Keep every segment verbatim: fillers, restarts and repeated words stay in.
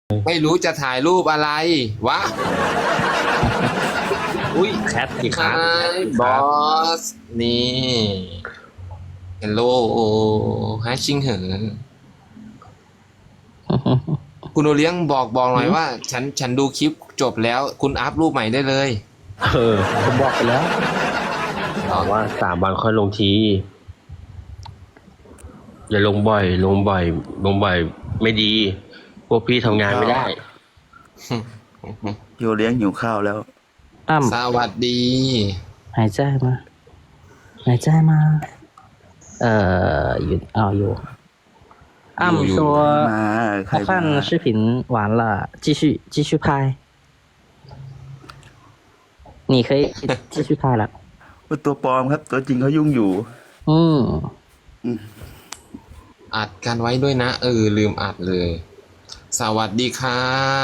ไม่รู้จะถ่ายรูปอะไรวะ อุ้ยแคทสิครับ Hi บอสนี่ Hello ฮชิงเหอคุณโอเลี้ยงบอกบอกหน่อยว่า ฉันฉันดูคลิปจบแล้ว คุณอัพรูปใหม่ได้เลยเออผมบอกไปแล้วบอกว่าสามวันค่อยลงที อย่าลงบ่อย ลงบ่อย ลงบ่อยไม่ดี พวกพี่ทำงานไม่ได้โยเลี้ยงหิวข้าวแล้วอ่สวัสดีำหายใจมาหายใจมาเอ่ออยู่อ๋ออยู่อ่อยู่ำ说มาใคร我มา看视频完了继续继续拍你可以继续拍了ว่าตัวปลอมครับ ตัวจริงเขายุ่งอยู่อืมอัดกันไว้ด้วยนะ เออ ลืมอัดเลย สวัสดีค่ะ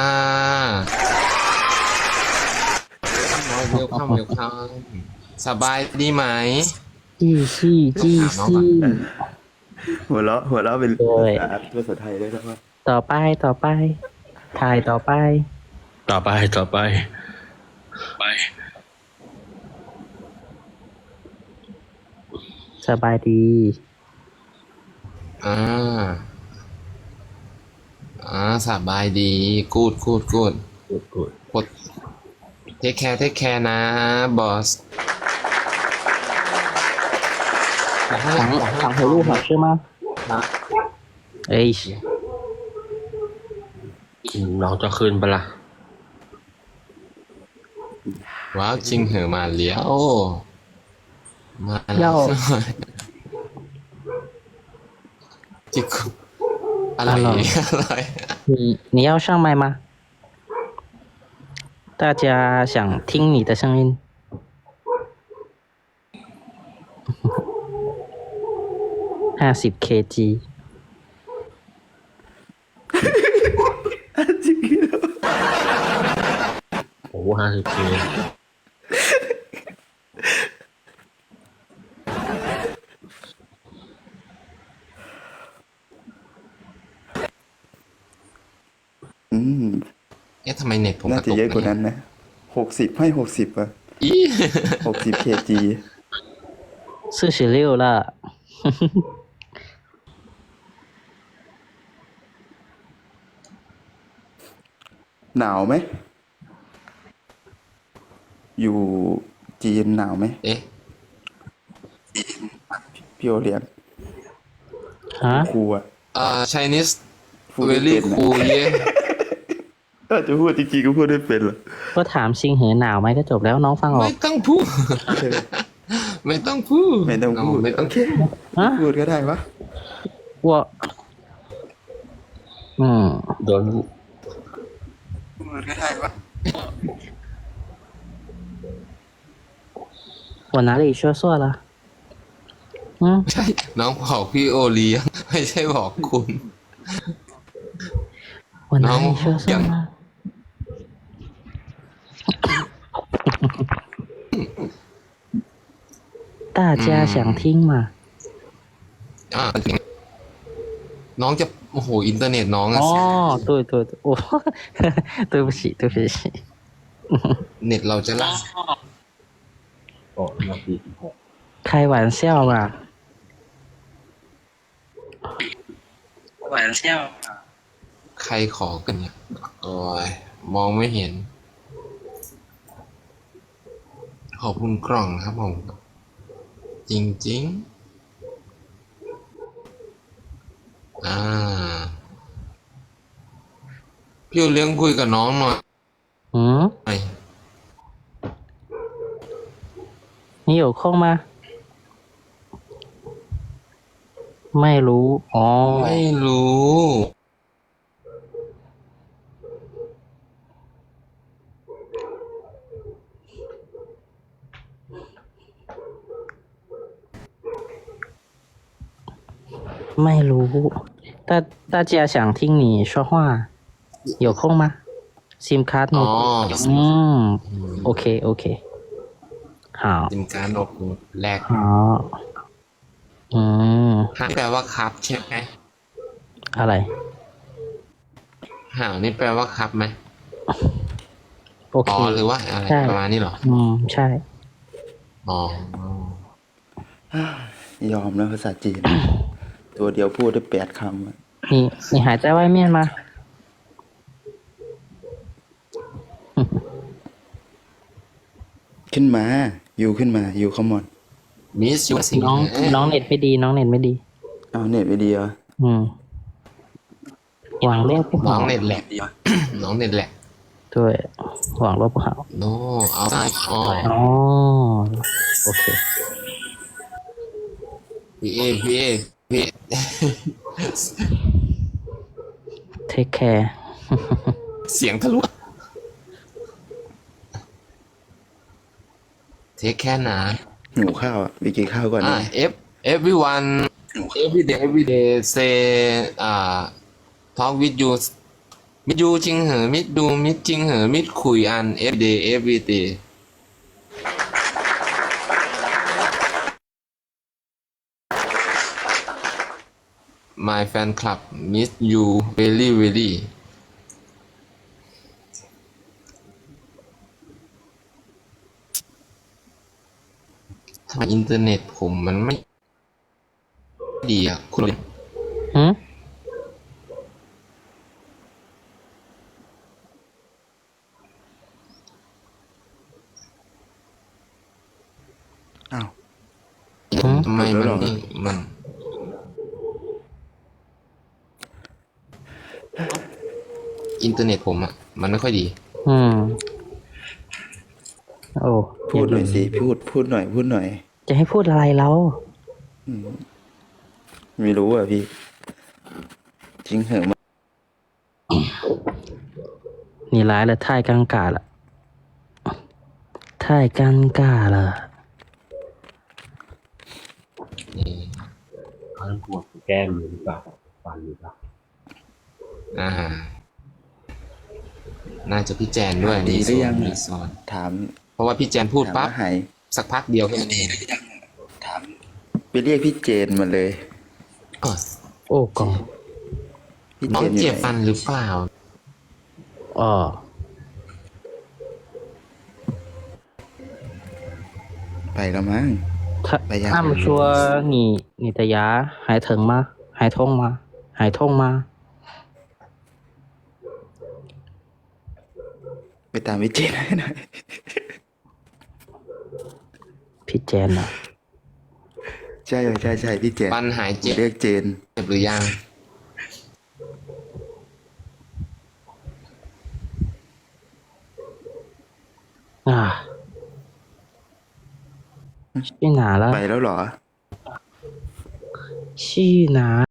เวลคัมเวลคัมสบายดีไหม继续继续หัวเราะหัวเราะเป็นโอ้ยอ่าภาษาไทยได้แล้วว่าต่อไปต่อไปถ่ายต่อไปต่อไปต่อไป ไปสบายดีอ่า อ่า สบายดี กูดกูดกูดกูดกูดกดเทคแคร์เทคแคร์นะ บอส想想回路好吃吗哎น้องจะคืนปะล่ะว้าวจริงเหอะมาเลี้ยว มาแล้要วจิกอะไรอะไร你你要上麦吗？大家想听你的声音。ห้าสิบ เค จีโอ้ห้าสิบเคอืมเอ๊ะทำไมเน็ตผมกน่าระจะตุกเยอะกว่านั้นนะหกสิบให้หกสิบอ่ะอีหกสิบเคจี四十六了。 หนาวไหม อยู่จีนหนาวไหมเอ๊ะพี่โอเลี้ยงฮะครูอ่ะอ่า Chinese พูดไม่ very เป็นนะ cool เย้ถ้าจะพูดจริงๆก็พูดได้เป็นเหรอก็ถามชิงเหอหนาวไหมก็จบแล้วน้องฟังออไม่กต้องพูด ไม่ต้องพูดไม่ต้องพูดไม่ต้องโอเคฮะพูดก็ได้วะว่าอืมโดนพูดก็ได้วะ我哪里说错了嗯ใช่ น้องบอกพี่โอเลี้ยง ไม่ใช่บอกคุณ我哪里说错了大家想听吗อ่าน้องจะโอ้โหอินเทอร์เน็ตน้องอะ哦对对对我对不起对不起เน็ตเราจะล่าโอ้นาทีสิบหก开玩笑嘛玩笑ใครขอกันเนี่ย โอ้ย มองไม่เห็น ขอบคุณกล่องครับผม จริงๆ อ่า พี่เลี้ยงคุยกับน้องหน่อย嗯你有空吗ไม่รู้อ๋อไม่รู้ไม่รู้大大家想听你说话有空吗 ซิม卡ร์ดหมอ๋ดออืมโอเคโอเค好จิมการอบแรก好อืมแปลว่าครับใช่ไหมอะไรห่าวนี่แปลว่าครับไหมโอเคอ๋อหรือว่าอะไรใช่ประมาณนี้เหรออืม ใช่อ๋อยอมแล้วภาษาจีน ตัวเดียวพูดได้แปดคำอะ你你还在外面吗？ ขึ้นมา อยู่ขึ้นมาอยู่คอมมอนมิสยูสิงน้องเอ๊ะน้องเน็ตไม่ดี น้องเน็ตไม่ดีเอาเน็ตไปดีเหรออืม网络不น้อง好เน็ตแหลกน้องเน็ตแหลก对网络不好โนเอาได้อ๋อ哦 OK พี่เอพี่เอพี่ take care เสียงทะลุเทคแค่หนาหิวข้าวอ่ะไปกินข้าวก่อนอ่านะ F everyone every day every day say อ่า talk with you มิดยูจริงเหรอมิดดูมิดจริงเหรอมิดคุยอัน every day every day my fan club miss you very very ทำไมอินเทอร์เน็ตผมมันไม่ดีอ่ะ คุณหืมอ้าวทำไมมันหลุดแล้วเหรอนี่มัน อินเทอร์เน็ตผมอ่ะ มันไม่ค่อยดีอืม โอ้พูดหน่อยสิพูดพูดหน่อยพูดหน่อยจะให้พูดอะไรแล้วไม่รู้อ่ะพี่ จริงเหรอมา你来了太尴尬了太尴尬了นี่เขาปวดแก้มอยู่หรือเปล่าฟันหรือเปล่าอ่า น่าจะพี่แจนด้วยดีหรือยังมีอะสอนถามเพราะว่าพี่แจนพูดถามปั๊บว่าหายสักพักเดียวแค่นี้ถามไปเรียกพี่เจนมาเลยอ๋อโอ้กองพี่น้เจองนอยู่เจ็บไหนฟันหรือเปล่าอ๋อไปแล้วมั้ง他ไปยัง他们说你你的牙还疼吗？还痛吗？还痛吗？ ไปตามพี่เจนให้หน่อยพี่เจนเหรอใช่ใช่ใช่พี่เจนฟันหายเจ็บเรียกเจนเจ็บหรือยังอ่า去哪了？ ไปแล้วเหรอ去哪